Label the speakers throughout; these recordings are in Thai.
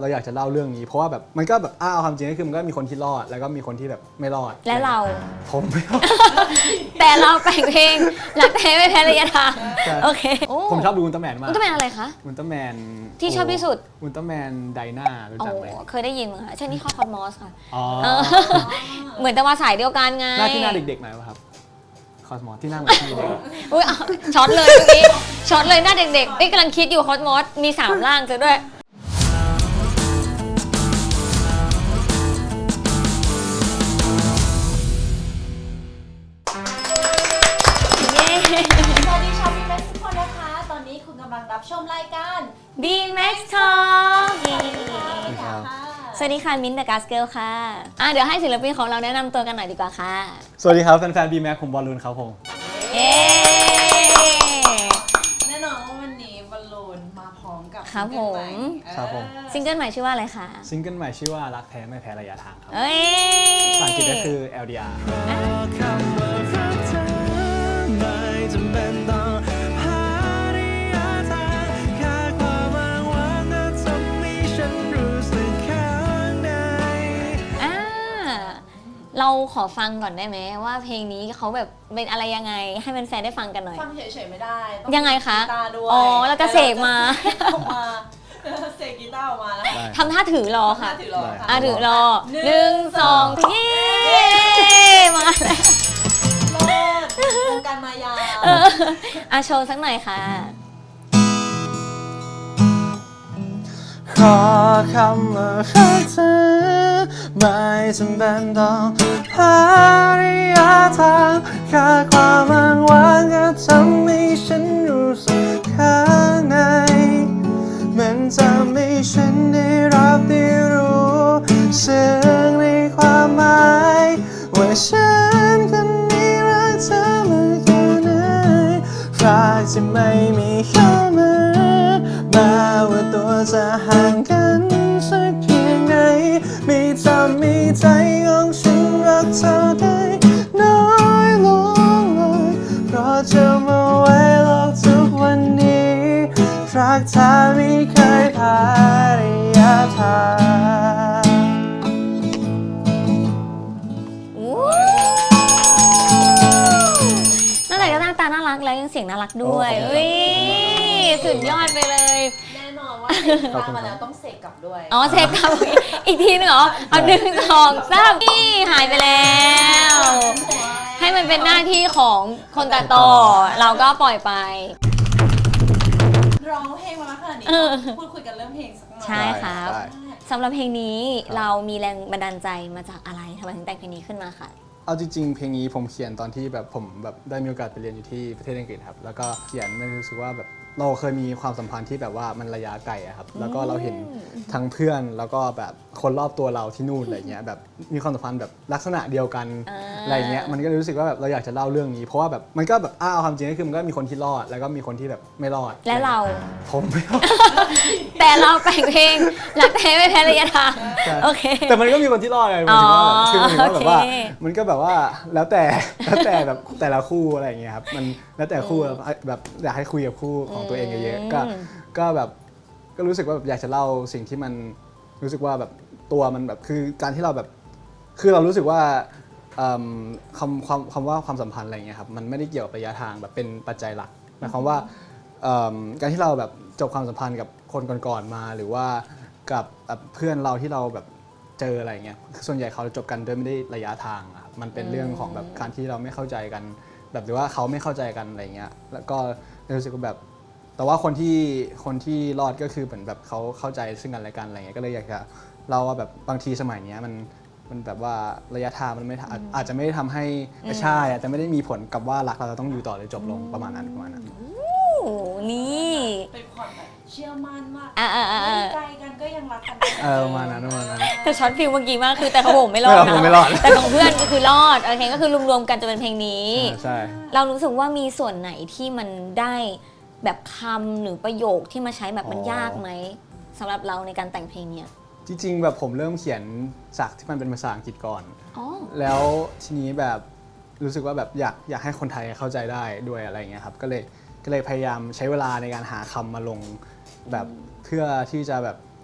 Speaker 1: เราอยากจะเล่าเรื่องนี้เพราะว่าแบบมันก็แบบความจริงก็คือมันก็มีคนที่รอดแล้วก็มีคนที่แบบไม่รอด
Speaker 2: และเรา
Speaker 1: ผมไม่รอด
Speaker 2: แต่เราแต่งเพลงรักแท้ไม่แพ้ระยะทางโอเค
Speaker 1: ผมชอบดูอุลตร้าแมนมาก
Speaker 2: อุลตร้าแมนอะไรคะ
Speaker 1: อุลตร้าแมน
Speaker 2: ที่ชอบที่สุด
Speaker 1: อุลตร้าแมนไดนารู้จักไหม
Speaker 2: เคยได้ยินมั้งคะใช่นี่ข้อคอสมอสค่ะ เหมือน
Speaker 1: แต่
Speaker 2: มาสายเดียวกันไง
Speaker 1: หน้าที่หน้าเด็กๆหน่อยป่ะครับคอสมอสที่หน้าเหมือนพี่เด็ก
Speaker 2: อุ้ยช็อตเลยเมื่อกี้ช็อตเลยหน้าเด็กๆกำลังคิดอยู่คอสมอสมี3ร่างซะด้วย
Speaker 3: สวัสดีชาวบีแม็กซ์ทุกคนนะคะตอนนี้คุณกำลังรับชมรายการ
Speaker 2: B-Max Talk สวัสดีค่ะมิ้นท์ The Gas Girl ค่ะเดี๋ยวให้ศิลปินของเราแนะนำตัวกันหน่อยดีกว่าค่ะ
Speaker 1: สวัสดีครับแฟนๆ B-Max ผมบอลลูนครับผม
Speaker 2: เย้
Speaker 3: แน่นอนว่าวันนี้บอลลูนมาพร้อมกับ
Speaker 2: ครับผม
Speaker 1: ครับผม
Speaker 2: ซิงเกิลใหม่ชื่อว่าอะไรคะ
Speaker 1: ซิงเกิลใหม่ชื่อว่ารักแท้ไม่แพ้ระยะทางครับ
Speaker 2: เอ้ย
Speaker 1: ภาษาอังกฤษก็คือ LDR
Speaker 2: เราขอฟังก่อนได้ไหมว่าเพลงนี้เขาแบบเป็นอะไรยังไงให้แฟนๆได้ฟังกันหน่อย
Speaker 3: ฟังเฉยๆไม่ได้
Speaker 2: ยังไงคะ
Speaker 3: กีตาร์ด้วย
Speaker 2: แล้วก็เสกมา
Speaker 3: เสกกีตาร์ออกมาแล้ว
Speaker 2: ทำท่าถือรอค่ะ
Speaker 3: ถือรอค่ะ
Speaker 2: ถือรอ1 2เย้มา
Speaker 3: แล้ววงการมายา
Speaker 2: โชว์สักหน่อยค่ะ
Speaker 1: ขอคำว่ารักเธอไม่จำเป็นต้องหาระยะทางแค่ความอ้างว้างก็ทำให้ฉันรู้สึกข้างในมันจะไม่ฉันได้รับได้รู้ซึ่งในความหมายว่าฉันคนนี้รักเธอมากแค่ไหนรักที่ไม่มีเข้ามาแม้ว่าตัวจะห่างกันสักเพียงไหนไม่ทำให้ใจของฉันรักเธอได้น้อยลงเลยเพราะจะมาไว้โลกทุกวันนี้รักเธอไม่เคยพาระยะทาง
Speaker 2: นั่นแหละก็หน้าตาน่ารักแล้วยังเสียงน่ารักด้วยสุดยอดไปเลย
Speaker 3: แน่นอนว่าเสกกีตาร์มาแล้วต้องเสกกลับด้วย
Speaker 2: เสกกลับอีกทีนึงเหรอเอา1 2 3นี่หายไปแล้วให้มันเป็นหน้าที่ของคนตัดต่อเราก็ปล่อยไป
Speaker 3: ร้องเพลงมาแล้วขนาดนี้พูดคุยกันเรื่องเพลงสักหน่อย
Speaker 2: ใช่ครับสำหรับเพลงนี้เรามีแรงบันดาลใจมาจากอะไรทำไมถึงแต่งเพลงนี้ขึ้นมาค่ะ
Speaker 1: เอาจริงๆเพลงนี้ผมเขียนตอนที่แบบผมแบบได้มีโอกาสไปเรียนอยู่ที่ประเทศอังกฤษครับแล้วก็เขียนไม่รู้สึกว่าแบบเราเคยมีความสัมพันธ์ที่แบบว่ามันระยะไกลอะครับแล้วก็เราเห็นทั้งเพื่อนแล้วก็แบบคนรอบตัวเราที่นู่นอะไรเงี้ยแบบมีความสัมพันธ์แบบลักษณะเดียวกันอะไรเงี้ยมันก็รู้สึกว่าแบบเราอยากจะเล่าเรื่องนี้เพราะว่าแบบมันก็แบบความจริงก็คือมันก็มีคนที่รอดแล้วก็มีคนที่แบบไม่รอด
Speaker 2: และเรา
Speaker 1: ผมไม่รอด
Speaker 2: แต่เราแต่งเพลงรักแท้ไม่แพ้ระยะทางโอเค
Speaker 1: แต่มันก็มีคนที่รอดไงมันคือแบบว่ามันก็แบบว่าแล้วแต่แบบแต่ละคู่อะไรอย่างเงี้ยครับมันแล้วแต่คู่แบบอยากให้คุยกับคู่ของตัวเองเยอะๆก็แบบก็รู้สึกว่าแบบอยากจะเล่าสิ่งที่มันรู้สึกว่าแบบตัวมันแบบคือการที่เราแบบคือเรารู้สึกว่าคำว่าความสัมพันธ์อะไรเงี้ยครับมันไม่ได้เกี่ยวกับระยะทางแบบเป็นปัจจัยหลักหมายความว่าการที่เราแบบจบความสัมพันธ์กับคนก่อนๆมาหรือว่ากับเพื่อนเราที่เราแบบเจออะไรเงี้ยส่วนใหญ่เขาจบกันโดยไม่ได้ระยะทางครับมันเป็นเรื่องของแบบการที่เราไม่เข้าใจกันแบบหรือว่าเขาไม่เข้าใจกันอะไรเงี้ยแล้วก็รู้สึกว่าแบบแต่ว่าคนที่รอดก็คือเหมือนแบบเขาเข้าใจซึ่งกันและกันอะไรเงี้ยก็เลยอยากจะเล่าว่าแบบบางทีสมัยนี้มันแบบว่าระยะทางมันไม่อาจจะไม่ได้ทำให้ใช่แต่ไม่ได้มีผลกับว่ารักเราจะต้องอยู่ต่อหรือจบลงประมาณนั้น
Speaker 2: นี่
Speaker 3: เป็นความแบบเชื่อมั่นว่าไกลกันก็ยังรักกัน
Speaker 1: ประมาณนั้น
Speaker 2: แต่ช็อตฟิลเมื่อกี้มากคือแต่ของผมไม่รอดนะแต่ของเพื่อนก็คือรอดโอเคก็คือรวมๆกันจะเป็นเพลงนี้
Speaker 1: ใช่
Speaker 2: เรารู้สึกว่ามีส่วนไหนที่มันได้แบบคำหรือประโยคที่มาใช้แบบมันยากไหมสำหรับเราในการแต่งเพลงเนี้ย
Speaker 1: จริงๆแบบผมเริ่มเขียนจากที่มันเป็นภาษาอังกฤษก่อนแล้วทีนี้แบบรู้สึกว่าแบบอยากให้คนไทยเข้าใจได้ด้วยอะไรเงี้ยครับก็เลยพยายามใช้เวลาในการหาคำมาลงแบบเพื่อที่จะแบบ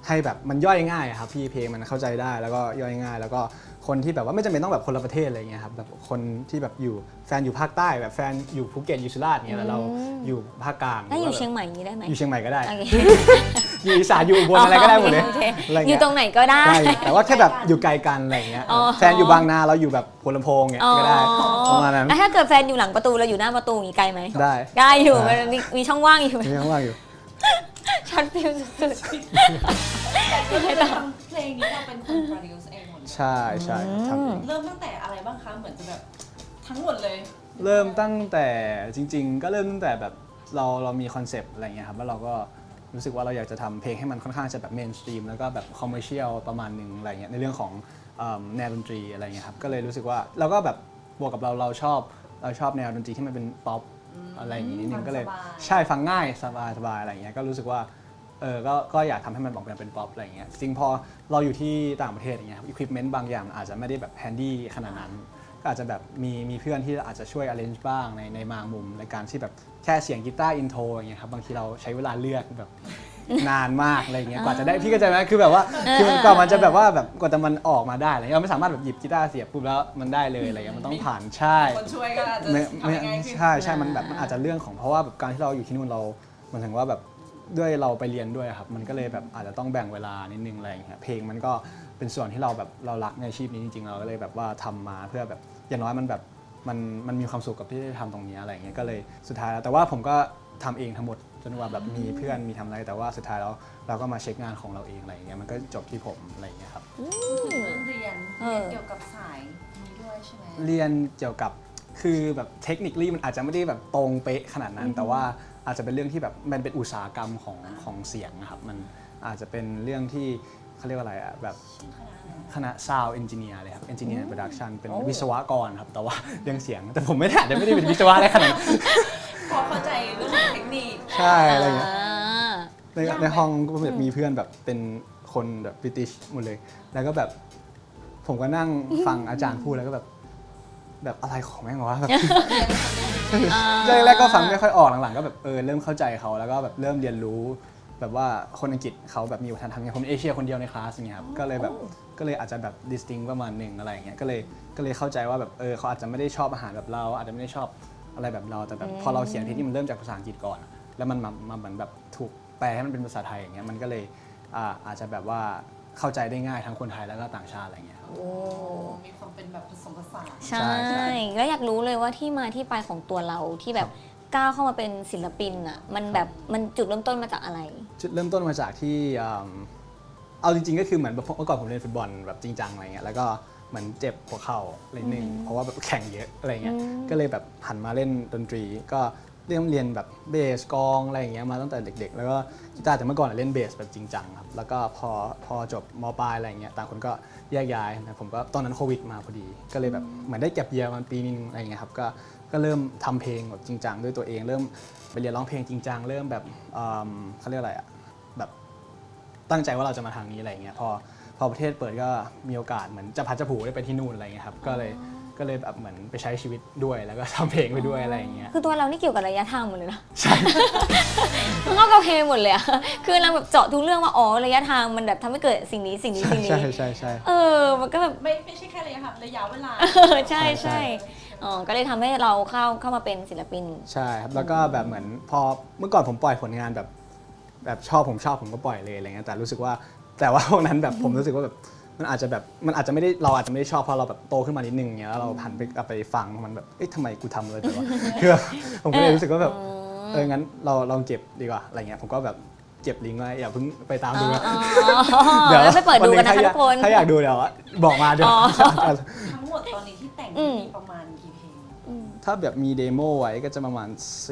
Speaker 1: ให้แบบมันย่อยง่ายครับพี่เพลงมันเข้าใจได้แล้วก็ย่อยง่ายแล้วก็คนที่แบบว่าไม่จำเป็นต้องแบบคนละประเทศอะไรเงี้ยครับแบบคนที่แบบอยู่แฟนอยู่ภาคใต้แบบแฟนอยู่ภูเก็ตอยู่สุราษฎร์เงี้ยแล้วเราอยู่ภาคกลาง
Speaker 2: ถ้าอยู่เชียงใหม่นี้ได้ไหม
Speaker 1: อยู่เชียงใหม่ก็ได้
Speaker 2: โอเค
Speaker 1: อยู่อีสานอยู่อุบลอะไรก็ได้หมดเลย
Speaker 2: โอค
Speaker 1: อะไร
Speaker 2: อยู่
Speaker 1: เงี้ย
Speaker 2: ตรงไหนก็ได้
Speaker 1: ใช่แต่ว่าแค่แบบอยู่ไกลกันอะไรเงี้ย
Speaker 2: อ๋อ
Speaker 1: แฟนอยู่บางนาเราอยู่แบบหัวลำโพงเงี้ยก็ได้ประมาณนั้น
Speaker 2: แล้วถ้าเกิดแฟนอยู่หลังประตูเราอยู่หน้าประตูอย่างนี้ไกลไหม
Speaker 1: ได้
Speaker 2: ได้อยู่
Speaker 1: ได้
Speaker 2: มันมีช่องว่างอยู่
Speaker 1: มีข้างว่างอยู่
Speaker 2: ช็อตฟิลสุด
Speaker 3: คือทำเพลงนี้เราเป็นคนโปรดิวซ์เองหมดเลย
Speaker 1: ใช่ใช่ทำเอง
Speaker 3: เริ่มตั้งแต่อะไรบ้างคะเหมือนจะแบบทั้งหมดเลย
Speaker 1: เริ่มตั้งแต่จริงๆ ก็เริ่มตั้งแต่แบบเรามีคอนเซปต์อะไรเงี้ยครับแล้วเราก็รู้สึกว่าเราอยากจะทำเพลงให้มันค่อนข้างจะแบบเมนสตรีมแล้วก็แบบคอมเมอร์เชียลประมาณหนึ่งอะไรเงี้ยในเรื่องของแนวดนตรีอะไรเงี้ยครับก็เลยรู้สึกว่าเราก็แบบบวกกับเราชอบแนวดนตรีที่มันเป็นป๊อปอะไรอย่างงี้นิดนึงก็เลย
Speaker 3: ฟังสบาย
Speaker 1: ใช่ฟังง่ายสบายอะไรเงี้ยก็รู้สึกว่าก็อยากทำให้มันออกมาเป็นป๊อปอะไรเงี้ยจริงพอเราอยู่ที่ต่างประเทศอย่างเงี้ยอุปกรณ์บางอย่างมันอาจจะไม่ได้แบบแฮนดี้ขนาดนั้นก็อาจจะแบบมีเพื่อนที่อาจจะช่วย arrange บ้างในบางมุมในการที่แบบแค่เสียงกีตาร์อินโทรอย่างเงี้ยครับบางทีเราใช้เวลาเลือกแบบนานมากอะไรเงี้ยกว่าจะได้พี่ก็จะไหมคือแบบว่าคือกว่ามันจะแบบว่าแบบกว่าจะมันออกมาได้อะไรเงี้ยเราไม่สามารถแบบหยิบกีตาร์เสียบปุ๊บแล้วมันได้เลยอะไรเงี้ยมันต้องผ่านใช่
Speaker 3: คนช่วยก็อาจจะ
Speaker 1: ไม่
Speaker 3: ทำยังไงขึ้น
Speaker 1: ใช่มันแบบมันอาจจะเรื่องของเพราะว่าแบบการที่เราอยู่ที่นู่นเราเหมือนถึงว่าแบบด้วยเราไปเรียนด้วยครับมันก็เลยแบบอาจจะต้องแบ่งเวลานิดนึงอะไรอย่างเงี้ยเพลงมันก็เป็นส่วนที่เราแบบเรารักในอาชีพนี้จริงๆเราก็เลยแบบว่าทำมาเพื่อแบบอย่างน้อยมันแบบมันมีความสุขกับที่ได้ทำตรงนี้อะไรอย่างเงี้ยก็เลยสุดท้ายแล้วแต่ว่าผมก็ทำเองทั้งหมดจนกว่าแบบมีเพื่อนมีทำอะไรแต่ว่าสุดท้ายแล้วเราก็มาเช็คงานของเราเองอะไรอย่างเงี้ยมันก็จบที่ผมอะไรอย่างเงี้ยครับ
Speaker 3: เรื่องเรียนเกี่ยวกับสายนี้ด้วยใช่ไหม
Speaker 1: เรียนเกี่ยวกับคือแบบเทคนิคมันอาจจะไม่ได้แบบตรงเป๊ะขนาดนั้น แต่ว่าอาจจะเป็นเรื่องที่แบบมันเป็นอุตสาหกรรมของเสียงนะครับมันอาจจะเป็นเรื่องที่เขาเรียกว่าอะไรอะแบบคณะ Sound Engineer เลยครับ Engineer Production เป็นวิศวกรครับแต่ว่าเรื่องเสียงแต่ผมไม่ได้เป็นวิศวะได้ขนาดนั้น
Speaker 3: พอเข้าใจเรื่องของเทคนิค
Speaker 1: ใช่อะไรอย่างเงี้ย
Speaker 3: ยากไหม
Speaker 1: ในห้องก็แบบมีเพื่อนแบบเป็นคนแบบบริติชหมดเลย แล้วก็แบบผมก็นั่งฟังอาจารย์พูดแล้วก็แบบอะไรของแม่งวะแบบ แรกๆก็ฟังไม่ค่อยออกหลังๆก็แบบเริ่มเข้าใจเขาแล้วก็แบบเริ่มเรียนรู้แบบว่าคนอังกฤษเขาแบบมีวัฒนธรรมไงผมเอเชียคนเดียวในคลาสอย่างเงี้ยครับก็เลยอาจจะแบบ distinct ประมาณหนึ่งอะไรอย่างเงี้ยก็เลยเข้าใจว่าแบบเขาอาจจะไม่ได้ชอบอาหารแบบเราอาจจะไม่ได้ชอบอะไรแบบเราแต่แบบพอเราเขียนเพลงที่มันเริ่มจากภาษาอังกฤษก่อนแล้วมันมาเหมือนแบบถูกแปลให้มันเป็นภาษาไทยอย่างเงี้ยมันก็เลยอาจจะแบบว่าเข้าใจได้ง่ายทั้งคนไทยแล้วก็ต่างชาติอะไรเงี้ยครับ
Speaker 2: โอ้
Speaker 3: มีความเป็นแบบผสมผสาน
Speaker 2: ใช่ แล้วอยากรู้เลยว่าที่มาที่ไปของตัวเราที่แบบก้าวเข้ามาเป็นศิลปินอ่ะมันแบบมันจุดเริ่มต้นมาจากอะไร
Speaker 1: จุดเริ่มต้นมาจากที่เอาจริงๆก็คือเหมือนแบบเมื่อก่อนผมเล่นฟุตบอลแบบจริงจังอะไรเงี้ยแล้วก็เหมือนเจ็บหัวเข่าอะไรนึงเพราะว่าแบบแข่งเยอะอะไรเงี้ยก็เลยแบบหันมาเล่นดนตรีก็เรียนแบบเบสกลองอะไรอย่างเงี้ยมาตั้งแต่เด็กๆแล้วก็กีตาร์แต่เมื่อก่อนเล่นเบสแบบจริงจังครับแล้วก็พอจบม.ปลายอะไรเงี้ยต่างคนก็แยกย้ายนะผมก็ตอนนั้นโควิดมาพอดีก็เลยแบบเหมือนได้เก็บเยียร์มาปีนึงอะไรเงี้ยครับก็เริ่มทำเพลงแบบจริงจังด้วยตัวเองเริ่มไปเรียนร้องเพลงจริงจังเริ่มแบบเขาเรียกอะไรอะแบบตั้งใจว่าเราจะมาทางนี้อะไรเงี้ยพอประเทศเปิดก็มีโอกาสเหมือนจะพัดจะผูได้ไปที่นู่นอะไรเงี้ยครับก็เลยแบบเหมือนไปใช้ชีวิตด้วยแล้วก็ทำเพลงไปด้วยอะไรอย่างเงี้ย
Speaker 2: คือตัวเรานี่เกี่ยวกับระยะทางหมดเลยนะ
Speaker 1: ใช่
Speaker 2: มันเข้ากับเพลงหมดเลยอะคือเราแบบเจาะทุกเรื่องว่าอ๋อระยะทางมันแบบทำให้เกิดสิ่งนี้
Speaker 1: ใช่ใช่
Speaker 2: มันก็แบบ
Speaker 3: ไม่ใช่แค่ระยะค่ะระยะเวลา
Speaker 2: ใช่อ๋อก็เลยทำให้เราเข้ามาเป็นศิลปิน
Speaker 1: ใช่ครับแล้วก็แบบเหมือนพอเมื่อก่อนผมปล่อยผลงานแบบชอบผมก็ปล่อยเลยอะไรเงี้ยแต่รู้สึกว่าแต่ว่าพวกนั้นแบบผมรู้สึกว่าแบบมันอาจจะไม่ได้เราอาจจะไม่ได้ชอบเพราะเราแบบโตขึ้นมานิดนึงเงี้ยแล้วเราหันไปกลับไปฟังมันแบบทำไมกูทำเลยแต่ว่าคือแบบผมก็เลยรู้สึกว่าแบบงั้นเราลองเก็บดีกว่าอะไรเงี้ยผมก็แบบเก็บลิงก์ไว้อย่าเพิ่งไปตามดูนะ
Speaker 2: เดี๋ยวไปเปิดดูกันนะคะทุกคน
Speaker 1: ถ้าอยากดูเดี๋ยวบอกมาเดี๋ยว
Speaker 3: ทั้งหมดตอนนี้ที่แต่งมีประมาณกี่เพลง
Speaker 1: ถ้าแบบมีเดโมไว้ก็จะประมาณ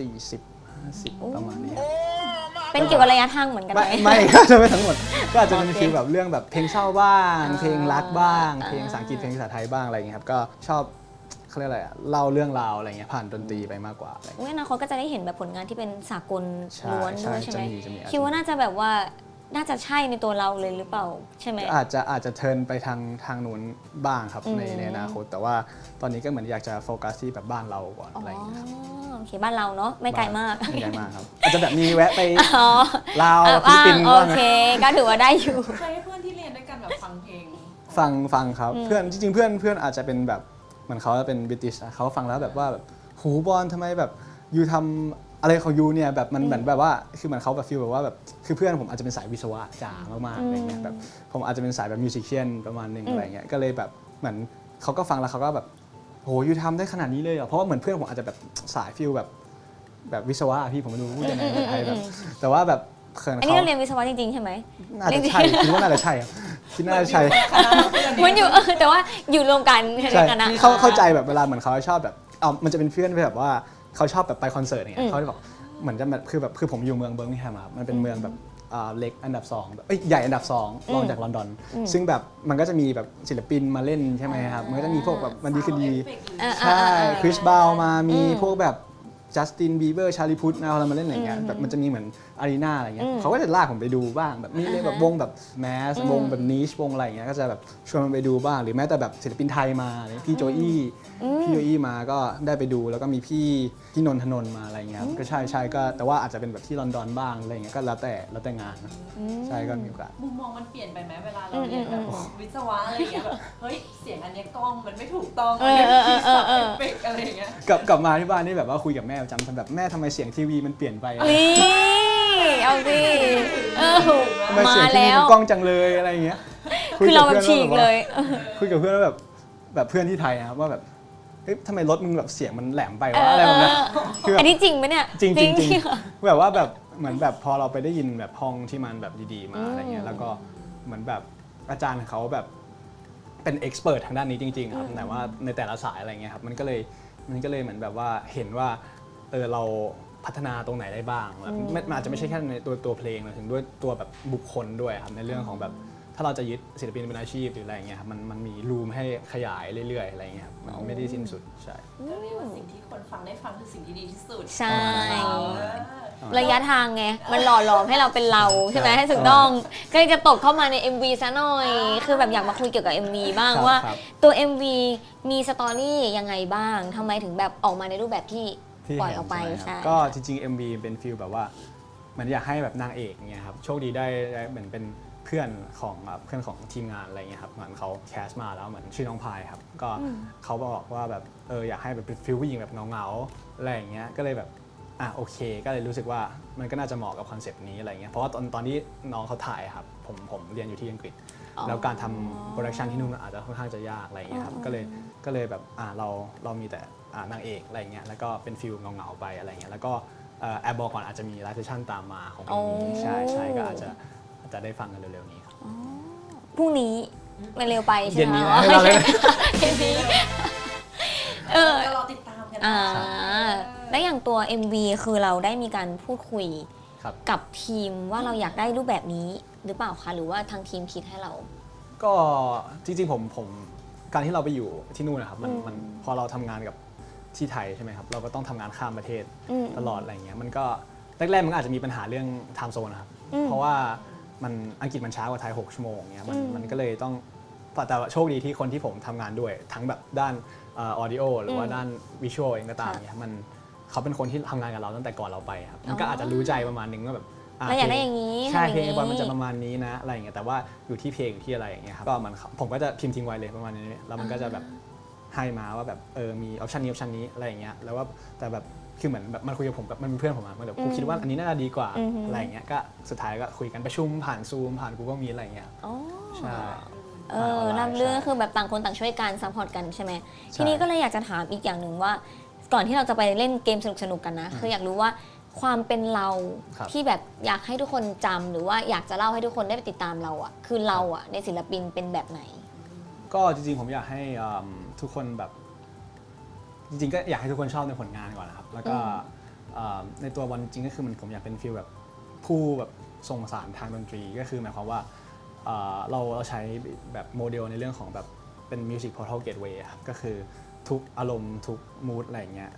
Speaker 1: 40-50ประมาณนี้ครับ
Speaker 2: เป็นเกี่ยวกับระยะทางเหมือนกันไหม
Speaker 1: ไม่ก็จะไม่ทั้งหมดก็อาจจะเป็นฟีลแบบเรื่องแบบเพลงเศร้าบ้าง เพลงรักบ้าง เพลงภาษาอังกฤษเพลงภาษาไทยบ้างอะไรอย่างเงี้ยครับก็ชอบเขาเรียกอะไรอะเล่าเรื่องราวอะไรเงี้ยผ่านดนตรีไปมากกว่าอะไรเงี้ย
Speaker 2: อนาคตก็จะได้เห็นแบบผลงานที่เป็นสากลล้วนด้วยใช่ไหม
Speaker 1: จะมี
Speaker 2: คิดว่าน่าจะแบบว่าน่าจะใช่ในตัวเราเลยหรือเปล่าใช่ไหม
Speaker 1: อาจจะเทิร์นไปทางนู้นบ้างครับในอนาคตแต่ว่าตอนนี้ก็เหมือนอยากจะโฟกัสที่แบบบ้านเราก่อนอะไรอย่างเงี้ยครับ
Speaker 2: โอเคบ้านเราเนาะไม่ไกลมาก
Speaker 1: ไม่ไกลมากครับอาจจะแบบมีแวะไป
Speaker 2: อ๋อ
Speaker 1: ลาวฟิลิปปินส์
Speaker 2: โอ
Speaker 1: บ้าง
Speaker 2: เคก็ถือว่าได้อยู่
Speaker 3: เคยให้เพื่อนที่เรียนด้วยกันแบบฟังเพลง
Speaker 1: ฟังครับเพื่อนจริงๆเพื่อนอาจจะเป็นแบบเหมือนเขาเป็นบริติชเขาฟังแล้วแบบว่าแบบหูบอลทำไมแบบยูทำอะไรของยูเนี่ยแบบมันเหมือนแบบว่าคือเหมือนเขาแบบฟีลแบบว่าแบบคือเพื่อนผมอาจจะเป็นสายวิศวะจ๋ามากๆอะไรเงี้ยแบบผมอาจจะเป็นสายแบบมิวสิชเชียนประมาณนึงอะไรเงี้ยก็เลยแบบเหมือนเขาก็ฟังแล้วเขาก็แบบโหยูทำได้ขนาดนี้เลยเหรอเพราะว่าเหมือนเพื่อนผมอาจจะแบบสายฟีลแบบวิศวะพี่ผมไม่รู้พูดยังไงในไทยแบบแต่ว่าแบบเขิน
Speaker 2: อันนี้
Speaker 1: เขา
Speaker 2: เราเรียนวิศวะจริงๆใช่ไหม
Speaker 1: น่าจะใช่คิดว่าน่าจะใช่ครับคิดน่าจะใช่
Speaker 2: มันอยู่แต่ว่าอยู่รวมกัน
Speaker 1: ใช่
Speaker 2: กันนะ
Speaker 1: เข้าใจแบบเวลาเหมือนเขาชอบแบบมันจะเป็นเพื่อนแบบว่าเขาชอบแบบไปคอนเสิร์ตอย่างเงี้ยเขาจะบอกเหมือนจะแบบคือผมอยู่เมืองเบิร์มิงแฮมครับมันเป็นเมืองแบบเล็กอันดับ2แบบใหญ่อันดับ2รองจากลอนดอนซึ่งแบบมันก็จะมีแบบศิลปินมาเล่นใช่ไหมครับมันก็จะมีพวกแบบมันดีคือดีใช่คริสบาวมามีพวกแบบจัสตินบีเบอร์ชาลีพุทเอาอะไรมาเล่นอะไรเงี้ยแบบมันจะมีเหมือนอารีนาอะไรเงี้ยเขาก็จะลากผมไปดูบ้างแบบมีเล่นแบบวงแบบแมสวงแบบนิชวงอะไรเงี้ยก็จะแบบชวนมันไปดูบ้างหรือแม้แต่แบบศิลปินไทยมาพี่โจอี้มาก็ได้ไปดูแล้วก็มีพี่นนทนนท์มาอะไรเงี้ยก็ใช่ก็แต่ว่าอาจจะเป็นแบบที่ลอนดอนบ้างอะไรเงี้ยก็แล้วแต่งานนะใช่ก็มีโอกาส
Speaker 3: มุมมองมันเปลี่ยนไปไหมเวลาเราเรียนแบบวิศวะอะไรอย่างเงี้ยแบบเฮ้ยเสียงอันเนี้ยกล้องมันไม่ถูกต้องอันเนี้ยคีย์สับเอฟเฟกต์อะไรอย่างเงี้ย
Speaker 1: กลับมาที่บ้านนี่แบบว่าคุยกับแม่ประจำแบบแม่ทำไมเสียงทีวีมันเปลี่ยนไป
Speaker 2: นี่เอาสิ
Speaker 1: ทำไม
Speaker 2: มา
Speaker 1: เสียงทีวี
Speaker 2: แล้
Speaker 1: มั
Speaker 2: วน
Speaker 1: กล้องจังเลยอะไรอย่างเงี้ย
Speaker 2: คือเราแบบฉีกเลย
Speaker 1: คุยกับเพื่อนแล้วแบบเพื่อนที่ไทยนะครับว่าแบบเฮ้ยทำไมรถมึงแบบเสียงมันแหลมไปวะอะไรแบบนี้คือ
Speaker 2: อันนี้จริงไหมเนี่ย
Speaker 1: จริงแบบว่าแบบเหมือนแบบพอเราไปได้ยินแบบห้องที่มันแบบดีๆมาอะไรเงี้ยแล้วก็เหมือนแบบอาจารย์เขาแบบเป็นเอ็กซ์เพรสทางด้านนี้จริงๆครับแต่ว่าในแต่ละสายอะไรเงี้ยครับมันก็เลยเหมือนแบบว่าเห็นว่าเราพัฒนาตรงไหนได้บ้างแบบมันอาจจะไม่ใช่แค่ในตัวเพลงถึงด้วยตัวแบบบุคคลด้วยครับในเรื่องของแบบถ้าเราจะยึดศิลปินเป็นอาชีพหรืออะไรเงี้ยครับมันมีรูมให้ขยายเรื่อยๆอะไรเงี้ยครับมันไม่ได้สิ้นสุดใช่
Speaker 3: ก็เรียกว่าสิ่งที่คนฟังได้ฟังคือสิ่งที่ดีที่สุด
Speaker 2: ใช่
Speaker 3: เออ
Speaker 2: ระยะทางไงมันหล่อหลอมให้เราเป็นเราใช่ไหมให้ถูกต้องก็เลยจะตกเข้ามาใน MV ซะหน่อย คือแบบอยากมาคุยเกี่ยวกับ MV บ้างว่าตัว MV มีสตอรี่ยังไงบ้างทำไมถึงแบบออกมาในรูปแบบที่ปล่อยออกไปใช่
Speaker 1: ก็จริงๆ MV เป็นฟีลแบบว่าเหมือนอยากให้แบบนางเอกเงี้ยครับโชคดีได้เหมือนเป็นเพื่อนของทีมงานอะไรเงี้ยครับเหมือนเขาแคสมาแล้วเหมือนชื่อน้องพายครับก็เขาบอกว่าแบบอยากให้แบบเป็นฟีลผู้หญิงแบบเงาๆอะไรอย่างเงี้ยก็เลยแบบโอเคก็เลยรู้สึกว่ามันก็น่าจะเหมาะกับคอนเซปต์นี้อะไรเงี้ยเพราะว่าตอนที่น้องเขาถ่ายครับผมเรียนอยู่ที่อังกฤษแล้วการทำโปรดักชันที่นู่นอาจจะค่อนข้างจะยากอะไรเงี้ยครับก็เลยแบบเรามีแต่นางเอกอะไรเงี้ยแล้วก็เป็นฟีลเงาๆไปอะไรเงี้ยแล้วก็แอบบอกก่อนอาจจะมีไลฟ์เซสชั่นตามมาของเพลงนี้ใช่ก็อาจจะได้ฟังกันเร็วๆนี้ครับ
Speaker 2: พรุ่งนี้มันเร็วไปใช่
Speaker 1: เย็น
Speaker 2: ไหม
Speaker 1: นี้
Speaker 2: อ๋อ
Speaker 1: นะ
Speaker 2: เย็นนี้
Speaker 3: ก็รอติดตามกัน
Speaker 2: และอย่างตัว MV คือเราได้มีการพูดคุย
Speaker 1: ครับ
Speaker 2: กับทีมว่าเราอยากได้รูปแบบนี้หรือเปล่าคะหรือว่าทางทีมคิดให้เรา
Speaker 1: ก็จริงๆผมการที่เราไปอยู่ที่นู่นนะครับมันพอเราทำงานกับที่ไทยใช่ไหมครับเราก็ต้องทำงานข้ามประเทศตลอดอะไรเงี้ยมันก็แรกๆมันอาจจะมีปัญหาเรื่องไทม์โซนนะครับเพราะว่ามันอังกฤษมันช้ากว่าไทย6 ชั่วโมงเงี้ยมันก็เลยต้องแต่โชคดีที่คนที่ผมทำงานด้วยทั้งแบบด้านออดิโอหรือว่าด้านวิชวลเองก็ตามเนี่ยเขาเป็นคนที่ทำงานกับเราตั้งแต่ก่อนเราไปครับมันก็อาจจะรู้ใจประมาณนึงว่าแบบ
Speaker 2: เราอยากได้อย่างนี้
Speaker 1: ใช่
Speaker 2: ทำอย่างนี้
Speaker 1: เพลงบอลมันจะประมาณนี้นะอะไรอย่างเงี้ยแต่ว่าอยู่ที่เพลงอยู่ที่อะไรอย่างเงี้ยครับก็มันผมก็จะพิมพ์ทิ้งไว้เลยประมาณนี้แล้วมันก็จะแบบให้มาว่าแบบมีออปชันนี้อะไรอย่างเงี้ยแล้วว่าแต่แบบคือเหมือนแบบมันคุยกับผมแบบมันเป็นเพื่อนผมอะมันแบบกูคิดว่าอันนี้น่าจะดีกว่าอะไรอย่างเงี้ยก็สุดท้ายก็คุยกันประชุมผ่านซูมผ่าน Google Meet อะไรอย่างเงี้ย
Speaker 2: อ๋อ
Speaker 1: ใช่
Speaker 2: รับเรื่องคือแบบต่างคนต่างช่วยกันซัพพอร์ตกันใช่ไหมทีนี้ก็เลยอยากจะถามอีกอย่างหนึ่งว่า ก่อนที่เราจะไปเล่นเกมสนุกๆกันนะคืออยากรู้ว่าความเป็นเราที่แบบอยากให้ทุกคนจำหรือว่าอยากจะเล่าให้ทุกคนได้ไปติดตามเราอ่ะคือเราอ่ะในศิลปินเป็นแบบไหน
Speaker 1: ก็จริงๆผมอยากให้ทุกคนแบบจริงๆก็อยากให้ทุกคนชอบในผลงานก่อนนะครับแล้วก็ในตัวบอลจริงก็คือผมอยากเป็นฟีลแบบผู้แบบส่งสารทางดนตรีก็คือหมายความว่าเราใช้แบบโมเดลในเรื่องของแบบเป็น Music Portal Gateway ครับก็คือทุกอารมณ์ทุกมูดอะไรอย่างเงี้ย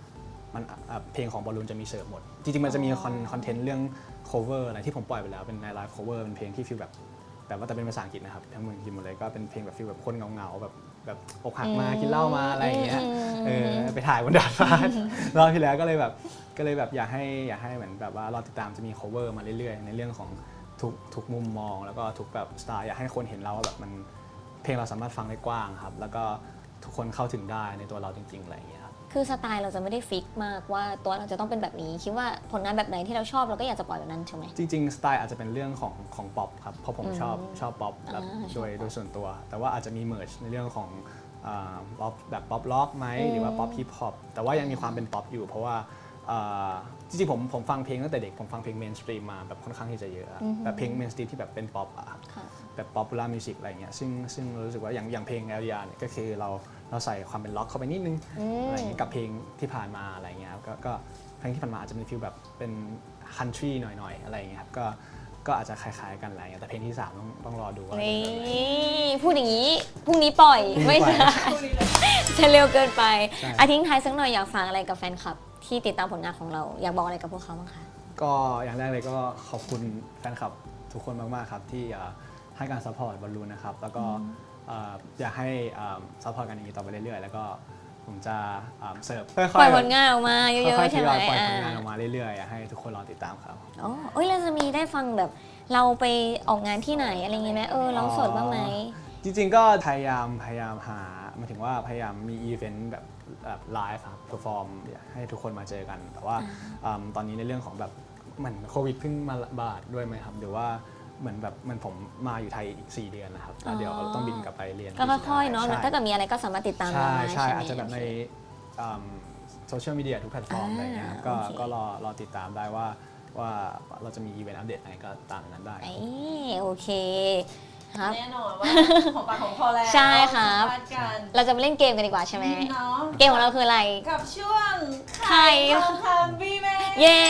Speaker 1: มันเพลงของบอลลูนจะมีเสิร์ฟหมดจริงๆมันจะมีคอนเทนต์เรื่อง cover อะไรที่ผมปล่อยไปแล้วเป็นในไลฟ์ cover เป็นเพลงที่ฟีลแบบว่าแต่เป็นภาษาอังกฤษนะครับทั้งเมืองทีมหมดเลยก็เป็นเพลงแบบฟีลแบบคนเงาๆแบบอกหักมากินเหล้ามาอะไรอย่างเงี้ยไปถ่ายบนดาดฟ้ารอบที่แล้วก็เลยแบบอยากให้เหมือนแบบว่ารอติดตามจะมี cover มาเรื่อยๆในเรื่องของทุกมุมมองแล้วก็ทุกแบบสไตล์อยากให้คนเห็นเราว่าแบบมันเพลงเราสามารถฟังได้กว้างครับแล้วก็ทุกคนเข้าถึงได้ในตัวเราจริงๆอะไรอย่างเงี้ยครับ
Speaker 2: คือสไตล์เราจะไม่ได้ฟิกมากว่าตัวเราจะต้องเป็นแบบนี้คิดว่าผลงานแบบไหนที่เราชอบเราก็อยากจะปล่อยแบบนั้นใช่ไหม
Speaker 1: จริงๆสไตล์อาจจะเป็นเรื่องของป๊อปครับเพราะผมชอบป๊อปแบบโดยส่วนตัวแต่ว่าอาจจะมีเมิร์จในเรื่องของป๊อปแบบป๊อปล็อกไหมหรือว่าป๊อปฮิปฮอปแต่ว่ายังมีความเป็นป๊อปอยู่เพราะว่าจริงๆผมฟังเพลงตั้งแต่เด็กผมฟังเพลงเมนสตรีมมาแบบค่อนข้างที่จะเยอะแบบเพลงเมนสตรีมที่แบบเป็นป๊อปอะแบบป๊อปปูล่ามิวสิกอะไรเงี้ยซึ่งรู้สึกว่าอย่างเพลง LDR เนี่ยก็คือเราใส่ความเป็นล็อกเข้าไปนิดนึงอะไรเงี้ยกับเพลงที่ผ่านมาอะไรเงี้ยก็เพลงที่ผ่านมาอาจจะเป็นฟีลแบบเป็นคันทรีหน่อยๆอะไรเงี้ยครับก็อาจจะคล้ายๆกันอะไรเงี้ยแต่เพลงที่3ต้องรอดูว่า
Speaker 2: นี่พูดอย่างนี้พรุ่งนี้ปล่อยไม่ใช่จะเร็วเกินไปทิ้งท้ายสักหน่อยอยากฝากอะไรกับแฟนคลับที่ติดตามผลงานของเราอยากบอกอะไรกับพวกเขาบ้างคะ
Speaker 1: ก็อย่างแรกเลยก็ขอบคุณแฟนคลับทุกคนมากๆครับที่ให้การซัพพอร์ตบอลลูนนะครับแล้วก็อยากให้ซัพพอร์ตกันอย่างนี้ต่อไปเรื่อยๆแล้วก็ผมจะเสิร์ฟค่อยๆ
Speaker 2: ปล่อยผลงานออกมาเย
Speaker 1: ค่อ
Speaker 2: อะ
Speaker 1: ย
Speaker 2: ๆ
Speaker 1: ๆท
Speaker 2: ใช่
Speaker 1: ย
Speaker 2: ไหม
Speaker 1: อยปล่อยผลงานออกมาเรื่อยๆอยากให้ทุกคนรอติดตามครับ
Speaker 2: อ๋อเราจะมีได้ฟังแบบเราไปออกงานที่ไหนอะไรอย่างงี้ไหมร้องสดบ้างไหม
Speaker 1: จริงๆก็พยายามหาหมายถึงว่าพยายามมีอีเวนต์แบบไลฟ์ครับเพอร์ฟอร์มให้ทุกคนมาเจอกันแต่ว่าตอนนี้ในเรื่องของแบบเหมือนโควิดเพิ่งมาระบาดด้วยไหมครับหรือว่าเหมือนผมมาอยู่ไทยอีก4 เดือนนะครับแล้วเดี๋ยวต้องบินกลับไปเรียน
Speaker 2: ก็ค่อยๆเนาะถ้าเกิดมีอะไรก็สามารถติดตามได้
Speaker 1: ใช่อาจจะแบบในโซเชียลมีเดียทุกแพลตฟอร์มอะไรเงี้ยก็รอติดตามได้ว่าเราจะมีอีเวนต์อัปเดตอะไรก็ตามนั้นได้
Speaker 2: โอเคครับ
Speaker 3: แน่นอนว่าของปากของคอแล้ว
Speaker 2: ใช่ครับเราจะมาเล่นเกมกันดีกว่าใช่ไหมเกมของเราคืออะไร
Speaker 3: กับช่วงไข่ทองคำบีแม่
Speaker 2: เย้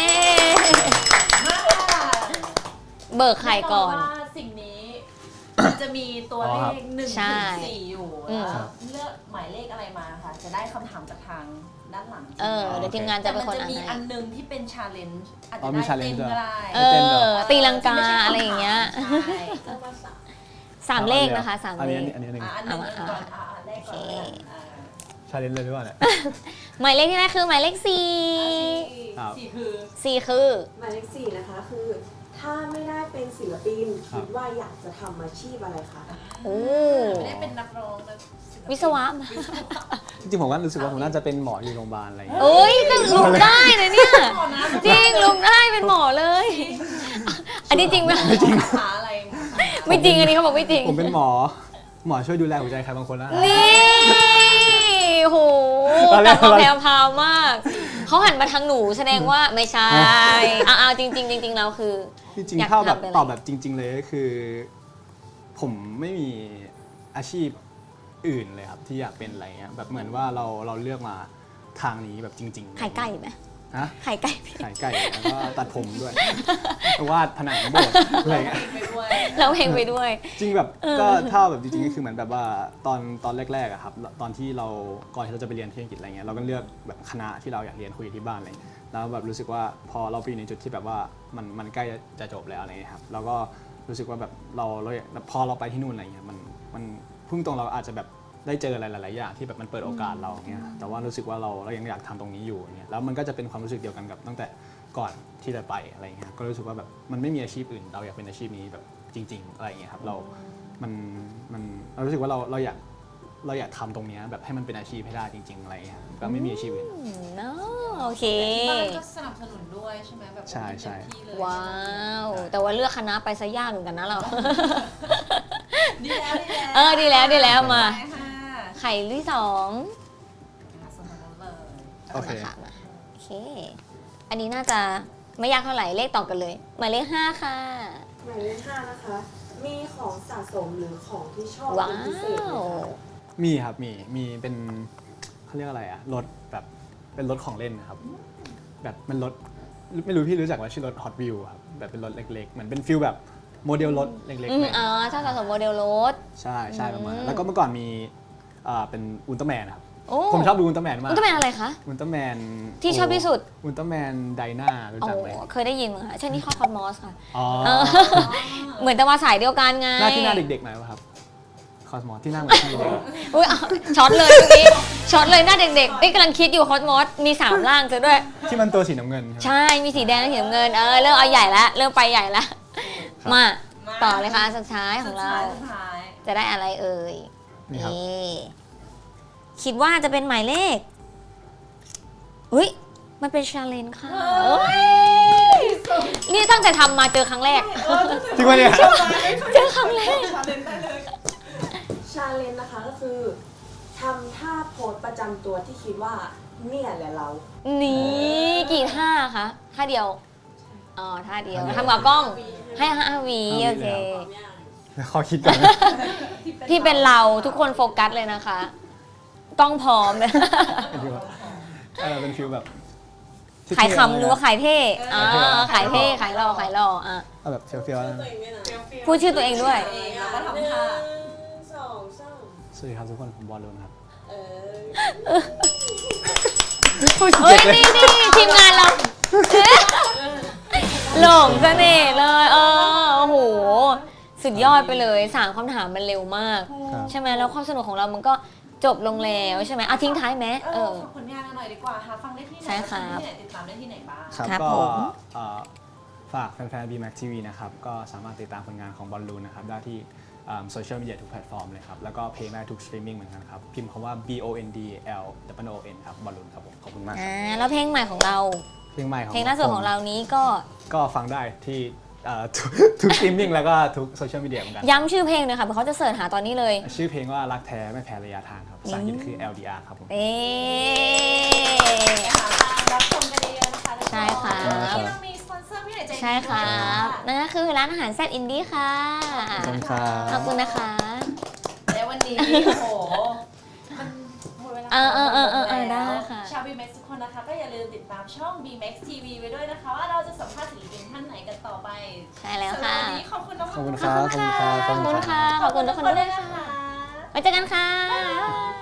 Speaker 2: เบิกไข่ก่อน
Speaker 3: สิ่งนี้มันจะมีตัวเลข1 ถึง 4อยู่เลือกหมายเลขอะไรมาค่ะจะได้คำถามจากทางด้านหลัง
Speaker 2: เดี๋ยวทีมงานจะเป็นคนอ่านให้
Speaker 3: แต่มันจะมีอันนึงที่เป็นชาเลนจ์อาจจะได้เต้นก็ได้
Speaker 2: ตีลังกาอะไรอย่างเงี้ย3 เลขนะคะ3 เลข
Speaker 1: อันนี้
Speaker 3: ก่อนเลขก่อน
Speaker 1: ชาเลนจ์เลยหรือเปล่าเนี่ย
Speaker 2: หมายเลขที่ได้คือหมายเลข4 4คือ
Speaker 4: หมายเลข4นะคะคือถ้าไม่ได้เป็นศิลปินคิดว่าอยากจะทำอาชีพอะไรคะ
Speaker 3: ไม่ได้เป็นนักร้องนะ
Speaker 2: วิศวะ
Speaker 1: จริงๆผมก็รู้สึกว่าผมน่าจะเป็นหมออยู่โรงพยาบาลอะไรอย่างเงี้ย
Speaker 2: ก็ลุกได้นะเนี่ยจริงลุกได้เป็นหมอเลยอันนี้จริงไหม
Speaker 1: ไม่จริง
Speaker 2: ไม่จริงอันนี้เขาบอกไม่จริง
Speaker 1: ผมเป็นหมอช่วยดูแลหัวใจใครบางคนนะ
Speaker 2: นี่โหกลับมาแพรวพราวมากเขาหันมาทางหนูแสดงว่าไม่ใช่เอาจริงเราคือ
Speaker 1: จริงๆถ้าแบบตอบแบบจริงๆเลยก็คือผมไม่มีอาชีพอื่นเลยครับที่อยากเป็นอะไรเงี้ยแบบเหมือนว่าเราเลือกมาทางนี้แบบจริงๆ
Speaker 2: ไข่ไก่ไหมไข่ไก่
Speaker 1: แล้วก็ตัดผมด้วยวาดผนังโบสถ์อะไรเงี้ย
Speaker 2: เราเพลงไปด้วย
Speaker 1: จริงแบบก็ถ้าแบบจริงๆก็คือเหมือนแบบว่าตอนแรกๆอะครับตอนที่เราก่อนที่เราจะไปเรียนที่อังกฤษอะไรเงี้ยเราก็เลือกแบบคณะที่เราอยากเรียนคุยที่บ้านอะไรแล้วแบบรู้สึกว่าพอเราไปอยู่ในจุดที่แบบว่ามันใกล้จะจบแล้วอะไรเงี้ยครับเราก็รู้สึกว่าแบบเราพอเราไปที่นู่นอะไรเงี้ยมันพุ่งตรงเราอาจจะแบบได้เจออะไรหลายๆอย่างที่แบบมันเปิดโอกาสเราเงี้ยแต่ว่ารู้สึกว่าเรายังอยากทำตรงนี้อยู่เนี่ยแล้วมันก็จะเป็นความรู้สึกเดียวกันกับตั้งแต่ก่อนที่จะไปอะไรเงี้ยก็รู้สึกว่าแบบมันไม่มีอาชีพอื่นเราอยากเป็นอาชีพนี้แบบจริงๆอะไรเงี้ยครับเรารู้สึกว่าเราอยากทำตรงนี้แบบให้มันเป็นอาชีพให้ได้จริงๆอะไรเงี้ยก็ไม่มีอาชีพอื่น
Speaker 2: โอเค
Speaker 3: บ้านก็สนับสนุนด้วยใช่ไหมแบบ
Speaker 1: ใช่
Speaker 2: ว้าวแต่ว่าเลือกคณะไปซะยากเหมือนกันนะเรา
Speaker 3: ดีแล้ว
Speaker 2: มาไข่ที่2
Speaker 1: โอเค
Speaker 2: อันนี้น่าจะไม่ยากเท่าไหร่เลขต่อกันเลยหมายเลข5ค่ะ
Speaker 4: หมายเลข5นะคะมีของสะสมหรือของที่ชอบเป็นพิเศษไหมคะ
Speaker 1: มีครับมีเป็นเขาเรียกอะไรอะรถแบบเป็นรถของเล่นนะครับแบบมันรถไม่รู้พี่รู้จักว่าชื่อรถ Hot Wheels ครับแบบเป็นรถเล็กๆเหมือนเป็นฟิลแบบโมเดลรถเล็กๆ
Speaker 2: ถ้าสะสมโมเดลรถ
Speaker 1: ใช่ประมาณแล้วก็เมื่อก่อนมีเป็นอุลตร้าแมนครับ
Speaker 2: โอ้
Speaker 1: ผมชอบดูอุลตร้าแมนมาก
Speaker 2: อุลตร้าแมนอะไรคะ
Speaker 1: อุลตร้าแมน
Speaker 2: ที่ชอบที่สุด
Speaker 1: อุลตร้าแมนไดนารู้
Speaker 2: โอ้
Speaker 1: จักไหม
Speaker 2: เคยได้ยินมั้งคะใช่นี่ข้อคอสมอสค่ะ
Speaker 1: อ๋อ
Speaker 2: เออ เหมือนแต่ว่าสายเดียวกันไง
Speaker 1: หน้าที่หน้าเด็กๆหน่อยป่ะครับคอสมอสที่หน้าเหมือนพี่เลย
Speaker 2: อุ้ยเอาช็อตเลยเมื่อกี้ช็อตเลยหน้าเด็กๆนี่กำลังคิดอยู่คอสมอสมี3ร่างซะด้วย
Speaker 1: ที่มันตัวสีน้ำเงินใช่ไหม
Speaker 2: ใช่ มีสีแดงและสีน้ำเงิน เริ่มเอาใหญ่แล้ว เริ่มไปใหญ่แล้ว
Speaker 1: ครับ
Speaker 2: มา ต่อเลยค่ะสุดท้ายของเรา
Speaker 3: สุดท้าย
Speaker 2: จะได้อะไรเอ่ย
Speaker 1: นี่ครับ
Speaker 2: คิดว่าจะเป็นหมายเลขอุ้ยมันเป็นชาเลนจ์ค่ะเอ้ยนี่ตั้งแต่ทำมาเจอครั้งแรก
Speaker 1: จริงปะเนี่ย
Speaker 2: เจอครั้งแรก
Speaker 3: ชาเลนจ์ได้เลย
Speaker 4: ชาเลนจ์นะคะก็คือทำท่าโพสประจำตัวที่คิดว่าเนี่ยแหละเรา
Speaker 2: นี่กี่ท่าคะท่าเดียว อ๋อท่าเดียวทำกับกล้องให้5 วีโอเค
Speaker 1: ขอคิดก่อนนะ
Speaker 2: ที่เป็นเราทุกคนโฟกัสเลยนะคะ กล้องพร้อมเลย
Speaker 1: เป็นฟิลแบบ
Speaker 2: ขายคำหรือว่าขายเท่ขายเท่ขายหล่อขายหล่ออ่ะ
Speaker 1: เอาแบบเฟี้ยวๆนะ
Speaker 2: พูดชื่อตัวเองด้วย
Speaker 3: แล้วก็ทำท่า
Speaker 4: สองสาม
Speaker 1: สวัสดีครับทุกคนผมบอลลูนครับ
Speaker 4: เออ
Speaker 2: เฮ้ยนี่ทีมงานเราหลงเสน่ห์เลยโอ้โห สุดยอดไปเลย3คำถามมันเร็วมาก
Speaker 1: ครับ
Speaker 2: ใช่ไหมแล้วความสนุกของเรามันก็จบลงแล้วใช่ไหมเอาทิ้งท้ายไหม
Speaker 3: ฝากผลงานกันหน่อยดีกว่าค่ะฟังได้ที่ไหน
Speaker 2: ใช่ครับ
Speaker 3: ที่ไหนติดตามได้ที่ไหนบ้าง
Speaker 1: ครับ
Speaker 2: ครับ
Speaker 1: ก็
Speaker 2: ผม
Speaker 1: ฝากแฟนๆ BMAX TV นะครับ ก็สามารถติดตามผลงานของบอลลูนนะครับ ได้ที่โซเชียลมีเดียทุกแพลตฟอร์มเลยครับ แล้วก็เพลงได้ทุกสตรีมมิ่งเหมือนกันครับ พิมพ์คำว่า BONDLOON ครับบอลลูนครับผมขอบคุณมากครับ
Speaker 2: แล้วเพลงใหม่ของเรา
Speaker 1: เพลงใหม่ของ
Speaker 2: เพลงล่าสุดของเรานี้ก็
Speaker 1: ก็ฟังได้ที่ทุกสตรีมมิ่งแล้วก็ทุกโซเชียลมีเดียเหมือนกัน
Speaker 2: ย้ำชื่อเพลงหน่อยค่ะเพราะเขาจะเสิร์ชหาตอนนี้เลย
Speaker 1: ชื่อเพลงว่ารักแท้ไม่แพ้ระยะทางครับภาษาอังกฤษคือ LDR ครับผม
Speaker 2: เอ๊
Speaker 3: ไปหาทางรับชมกันเยอะๆนะคะทุกน
Speaker 2: ใช่ค่ะ
Speaker 3: วันนี้เรามีสปอนเซอร์พี่หน่อยใจดี
Speaker 2: ใช่ครับนั่นก็คือร้านอาหารแซ่บอินดี้ค่ะ
Speaker 1: ขอบคุณครับ
Speaker 2: ขอบคุณนะคะ
Speaker 3: และวันนี้โอ้โหมันหมดเวลา
Speaker 2: ได้ค่ะ
Speaker 3: ชาว BMAX ทุกคนนะคะ ก็อย่าลืมติดตามช่อง BMAX TV ไว้ด้วยนะคะ ว่าเราจะสัมภาษณ์ศิลปินท่านไหนกันต่อไป
Speaker 2: ใช่แล้วค่ะ
Speaker 3: สำหรับวันนี้ขอบคุณน้อง
Speaker 1: ขอบคุณครับ
Speaker 2: ขอบคุณค่ะ ขอบคุณทุกคนด้วยค่ะ
Speaker 3: นะคะ
Speaker 2: ไว้เจอกันค่ะ